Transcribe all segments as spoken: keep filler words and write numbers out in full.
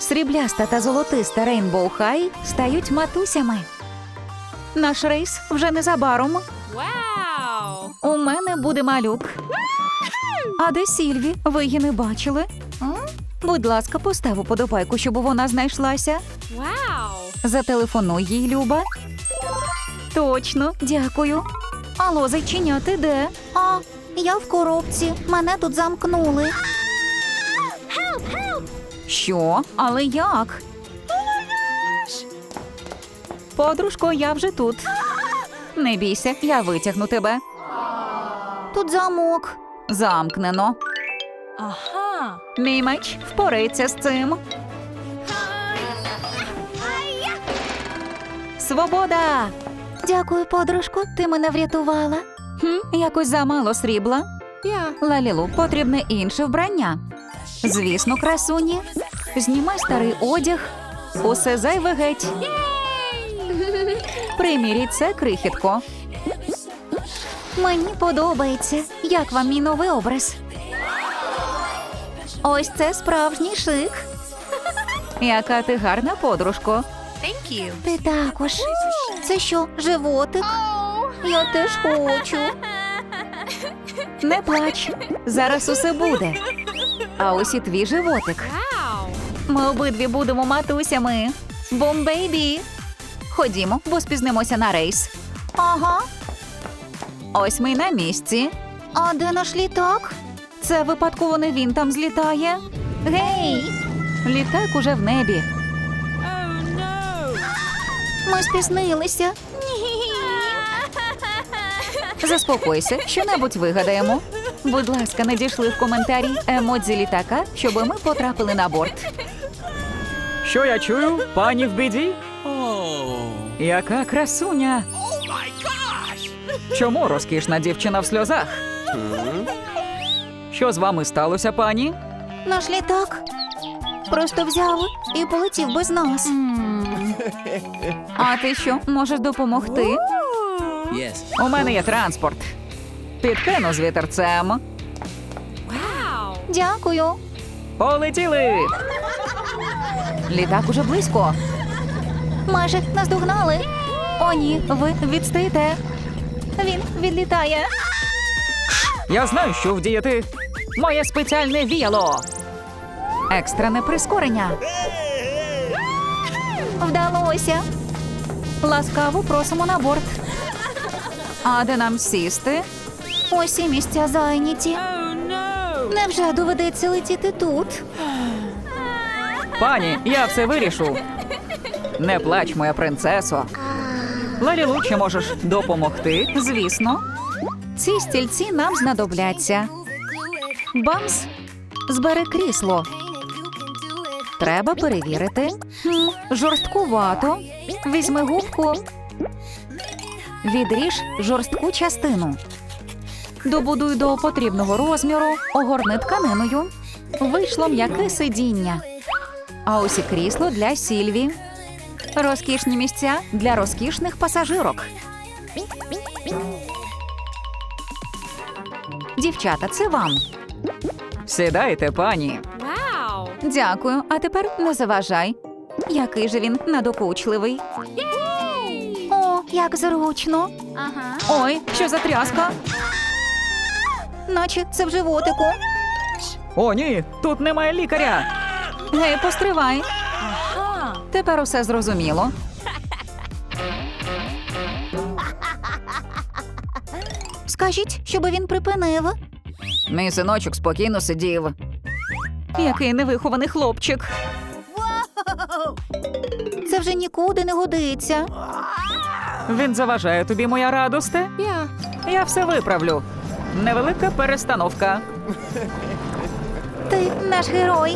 Срібляста та золотиста Рейнбоу Хай стають матусями. Наш рейс вже незабаром. Вау! У мене буде малюк. А де Сільві? Ви її не бачили? Будь ласка, постав уподобайку, щоб вона знайшлася. Вау! Зателефонуй їй, Люба. Точно, дякую. Алло, зайчиня, ти де? А, я в коробці. Мене тут замкнули. Що? Але як? Подружко, я вже тут. Не бійся, я витягну тебе. Тут замок. Замкнено. Ага! Мій меч впорається з цим. Свобода! Дякую, подружко, ти мене врятувала. Хм, якось замало срібла. Я. Лалілу, потрібне інше вбрання. Звісно, красуні. Знімай старий одяг. Усе зайве геть. Примірій це, крихітко. Мені подобається. Як вам мій новий образ? Ось це справжній шик. Яка ти гарна, подружко. Thank you. Ти також. Це що, животик? Я теж хочу. Не плач. Зараз усе буде. А ось і твій животик. Вау! Ми обидві будемо матусями. Бум, бейбі. Ходімо, бо спізнимося на рейс. Ага. Ось ми й на місці. А де наш літак? Це випадково не він там злітає. Гей! Літак уже в небі. Oh, no! Ми спізнилися. Заспокойся, що-небудь вигадаємо. Будь ласка, надійшли в коментарі емодзі літака, щоб ми потрапили на борт. Що я чую? Пані в біді? Яка красуня! Чому розкішна дівчина в сльозах? Що з вами сталося, пані? Наш літак просто взяв і полетів без нас. А ти що, можеш допомогти? Yes. У мене є транспорт. Підкину з вітерцем. Вау! Дякую. Полетіли. Літак уже близько. Майже наздогнали. О, ні, ви відстаєте. Він відлітає. Я знаю, що вдіяти. Моє спеціальне віяло. Екстрене прискорення. Вдалося. Ласкаво просимо на борт. А де нам сісти? Усі місця зайняті. Oh, no! Невже доведеться летіти тут? Пані, я все вирішу. Не плач, моя принцесо. Лалілу, чи можеш допомогти? Звісно. Ці стільці нам знадобляться. Бамс, збери крісло. Треба перевірити. Хм, жорсткувато. Візьми губку. Відріж жорстку частину. Добудуй до потрібного розміру, огорни тканиною. Вийшло м'яке сидіння. А ось і крісло для Сільві. Розкішні місця для розкішних пасажирок. Дівчата, це вам. Сідайте, пані. Вау! Дякую, а тепер не заважай. Який же він надокучливий. О, як зручно. Ага. Ой, що за тряска? Наче це в животику. О, ні, тут немає лікаря. Гей, постривай. Ага. Тепер усе зрозуміло. Скажіть, щоб він припинив. Мій синочок спокійно сидів. Який невихований хлопчик. Це вже нікуди не годиться. Він заважає тобі, моя радосте? Я. Я все виправлю. Невелика перестановка. Ти наш герой.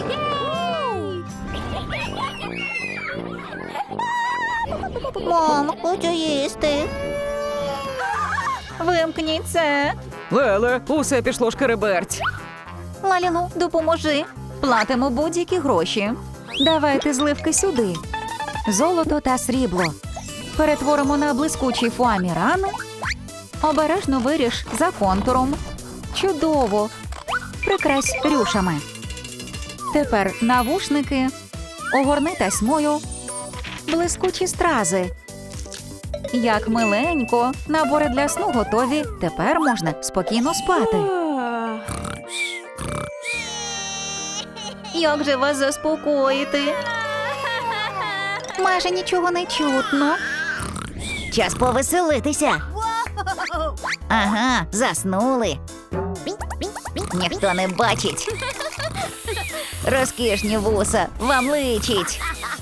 Мам, хочу їсти. Вимкніть це. Леле, усе пішло шкереберть. Лалілу, допоможи. Платимо будь-які гроші. Давайте зливки сюди. Золото та срібло. Перетворимо на блискучий фуаміран. Обережно виріж за контуром. Чудово. Прикрась рюшами. Тепер навушники. огорни тасьмою. Блискучі стрази. Як миленько. Набори для сну готові. Тепер можна спокійно спати. Як же вас заспокоїти? Майже нічого не чутно. Час повеселитися. Ага, заснули. Ніхто не бачить. Розкішні вуса, вам личить.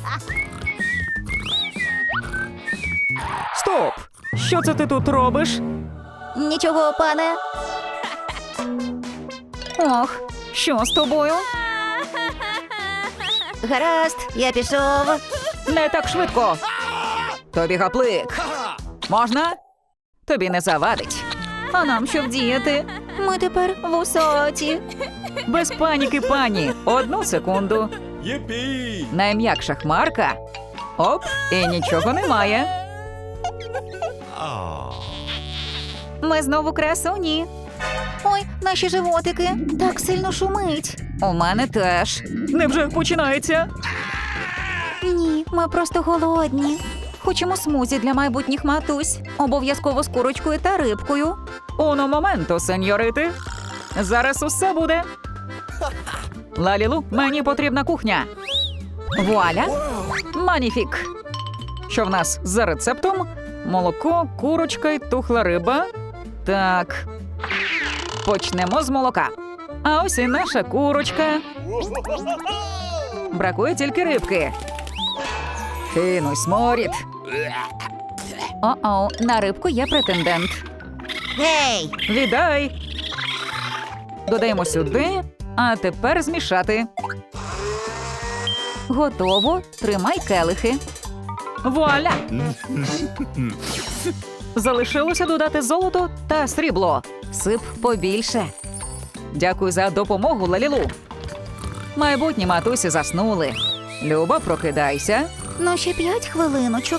Стоп! Що це ти тут робиш? Нічого, пане. Ох, що з тобою? Гаразд, я пішов. Не так швидко. Тобі гаплик. Можна? Тобі не завадить. А нам що вдіяти? Ми тепер вусаті. Без паніки, пані. Одну секунду. Єпі! Найм'якша хмарка. Оп, і нічого немає. Ми знову красуні. Ой, наші животики. Так сильно шумить. У мене теж. Невже починається? Ні, ми просто голодні. Хочемо смузі для майбутніх матусь. Обов'язково з курочкою та рибкою. Уно моменто, сеньорити. Зараз усе буде. Лалілу, мені потрібна кухня. Вуаля. Маніфік. Що в нас за рецептом? Молоко, курочка й тухла риба. Так. Почнемо з молока. А ось і наша курочка. Бракує тільки рибки. Кинуй сморід. О-о, на рибку є претендент. Гей! Віддай. Додаємо сюди, а тепер змішати. Готово. Тримай келихи. Вуаля! Залишилося додати золото та срібло. Сип побільше. Дякую за допомогу, Лалілу. Майбутні матусі заснули. Люба, прокидайся. Ну, ще п'ять хвилиночок.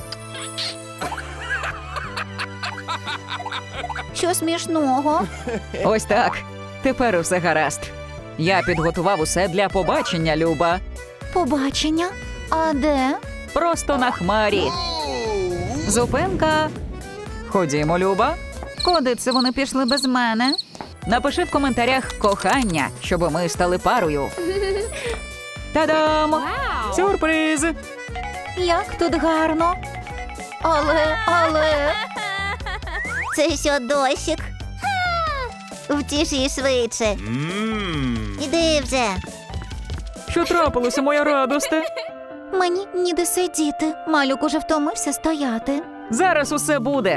Що смішного? Ось так. Тепер все гаразд. Я підготував усе для побачення, Люба. Побачення? А де? Просто на хмарі. Зупинка. Ходімо, Люба. Куди це вони пішли без мене? Напиши в коментарях кохання, щоб ми стали парою. Та-дам! Wow. Сюрприз! Як тут гарно. Але, але... Це що, дощик? Втіші швидше. Іди вже. Що трапилося, моя радосте? Мені ніде сидіти. Малюк уже втомився стояти. Зараз усе буде.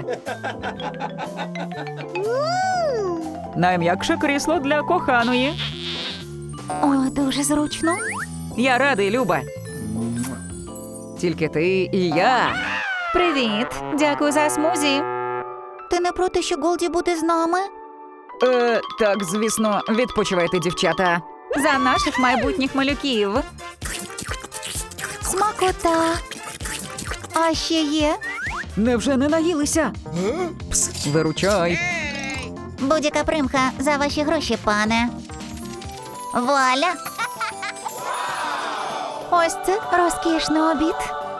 Найм'якше крісло для коханої. О, дуже зручно. Я радий, Люба. Тільки ти і я. Привіт. Дякую за смузі. Ти не проти, що Голді буде з нами? Е, так, звісно, відпочивайте, дівчата. За наших майбутніх малюків. Смакота. А ще є? Невже не наїлися? Пс, виручай. Будь-яка примха за ваші гроші, пане. Вуаля! Ось це розкішний обід.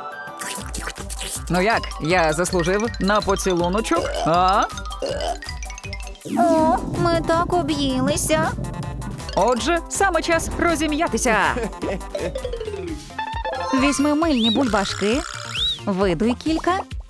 Ну як, я заслужив на поцілуночок, а? О, ми так об'їлися. Отже, саме час розім'ятися. Візьми мильні бульбашки, видуй кілька.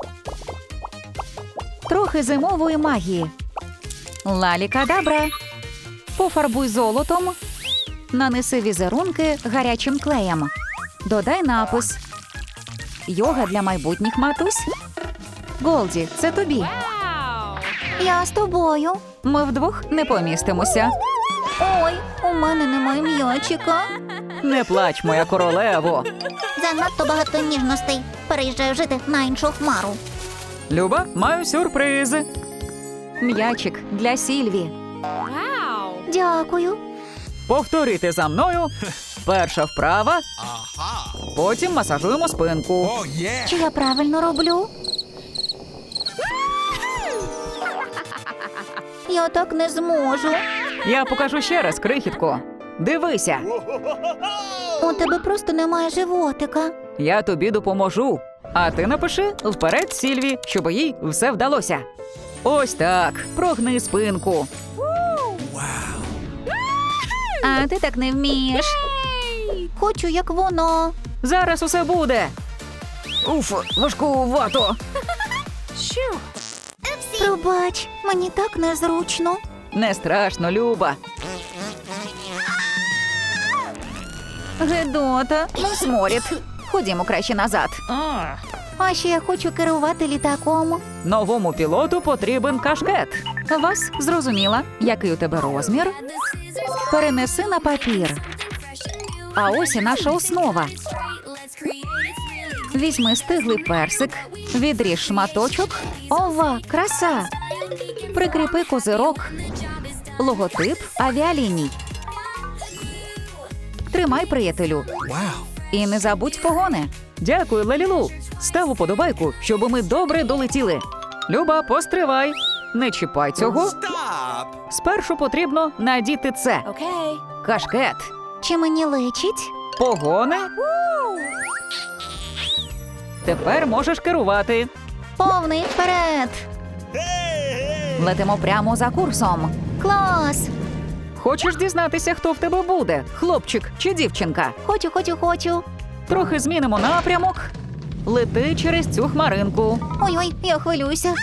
Трохи зимової магії. Лалі-кадабра. Пофарбуй золотом. Нанеси візерунки гарячим клеєм. Додай напис. Йога для майбутніх матусь. Голді, це тобі. Wow. Я з тобою. Ми вдвох не помістимося. Ой, у мене немає м'ячика. Не плач, моя королево. Занадто багато ніжностей. Переїжджаю жити на іншу хмару. Люба, маю сюрприз. М'ячик для Сільві. Wow. Дякую. Повторити за мною. Перша вправа. Потім масажуємо спинку. Чи я правильно роблю? Я так не зможу. Я покажу ще раз, крихітко. Дивися. У тебе просто немає животика. Я тобі допоможу. А ти напиши вперед Сільві, щоб їй все вдалося. Ось так. Прогни спинку. А ти так не вмієш. Хочу, як воно. Зараз усе буде. Уф, важкувато. Shoo. Пробач, мені так незручно. Не страшно, Люба. Гедота, ну сморід. Ходімо краще назад. А ще я хочу керувати літаком. Новому пілоту потрібен кашкет. Вас зрозуміла, який у тебе розмір. Перенеси на папір. А ось і наша основа. Візьми стиглий персик, відріж шматочок. Ова, краса! Прикріпи козирок, логотип авіаліній. Тримай, приятелю. І не забудь погони. Дякую, Лалілу. Став уподобайку, щоб ми добре долетіли. Люба, постривай. Не чіпай цього. Спершу потрібно надіти це. Okay. Кашкет. Чи мені личить? Погони. Тепер можеш керувати. Повний вперед. Летимо прямо за курсом. Клас. Хочеш дізнатися, хто в тебе буде? Хлопчик чи дівчинка? Хочу, хочу, хочу. Трохи змінимо напрямок. Лети через цю хмаринку. Ой-ой, я хвилююся.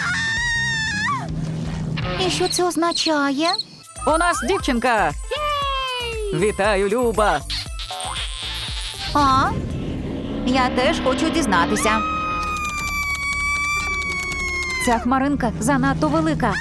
І що це означає? У нас дівчинка. Вітаю, Люба. А? Я теж хочу дізнатися. Ця хмаринка занадто велика.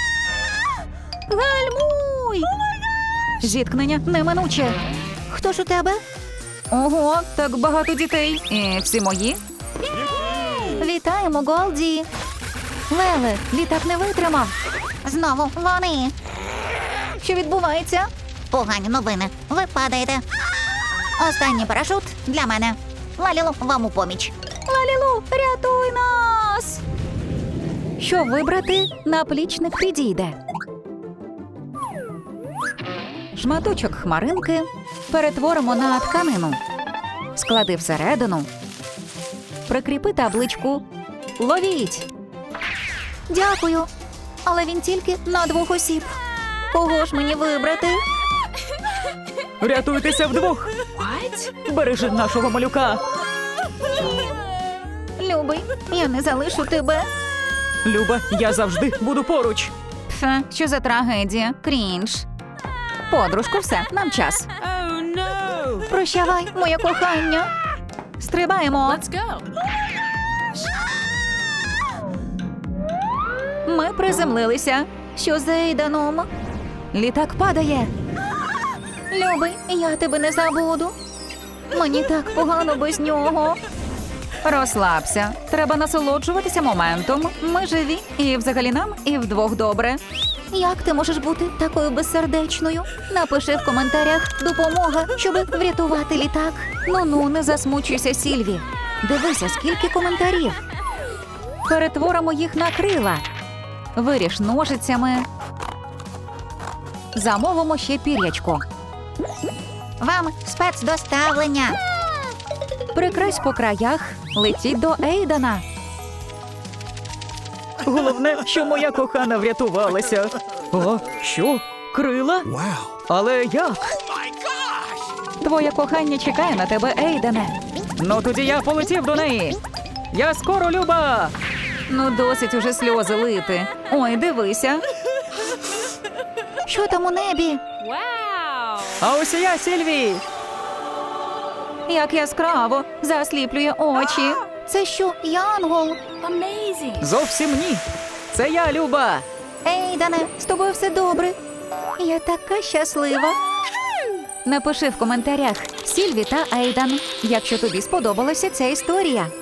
Гальмуй! Зіткнення неминуче. Хто ж у тебе? Ого, так багато дітей. І всі мої. Вітаємо, Голді. Леле, літак не витримав. Знову вони. Що відбувається? Погані новини. Ви падаєте. Останній парашут для мене. Лалілу, вам у поміч. Лалілу, рятуй нас! Що вибрати? Наплічник підійде. Шматочок хмаринки перетворимо на тканину. Склади всередину. Прикріпи табличку. Ловіть! Дякую. Але він тільки на двох осіб. Кого ж мені вибрати? Рятуйтеся вдвох. What? Бережи нашого малюка. Любий, я не залишу тебе. Люба, я завжди буду поруч. Пф, що за трагедія? Крінж. Подружко, все, нам час. Oh no. Прощавай, моє кохання. Стрибаємо. Let's go. Ми приземлилися. Що з Ейданом? Літак падає. Любий, я тебе не забуду. Мені так погано без нього. Розслабся. Треба насолоджуватися моментом. Ми живі. І взагалі нам, і вдвох добре. Як ти можеш бути такою безсердечною? Напиши в коментарях Допомога, щоб врятувати літак. «Ну-ну, не засмучуйся, Сільві. Дивися, скільки коментарів. Перетворимо їх на крила. Виріж ножицями. Замовимо ще пір'ячко. Вам спецдоставлення. Прикрась по краях. Летіть до Ейдана. Головне, що моя кохана врятувалася. О, що? Крила? Але як? Твоє кохання чекає на тебе, Ейдане. Ну тоді я полетів до неї. Я скоро, Люба. Ну, досить уже сльози лити. Ой, дивися. Що там у небі? Wow. А ось і я, Сільві. Як яскраво. Засліплює очі. Це що, Янгол? Amazing. Зовсім ні. Це я, Люба. Ейдане, з тобою все добре. Я така щаслива. Напиши в коментарях Сільві та Ейдан, якщо тобі сподобалася ця історія.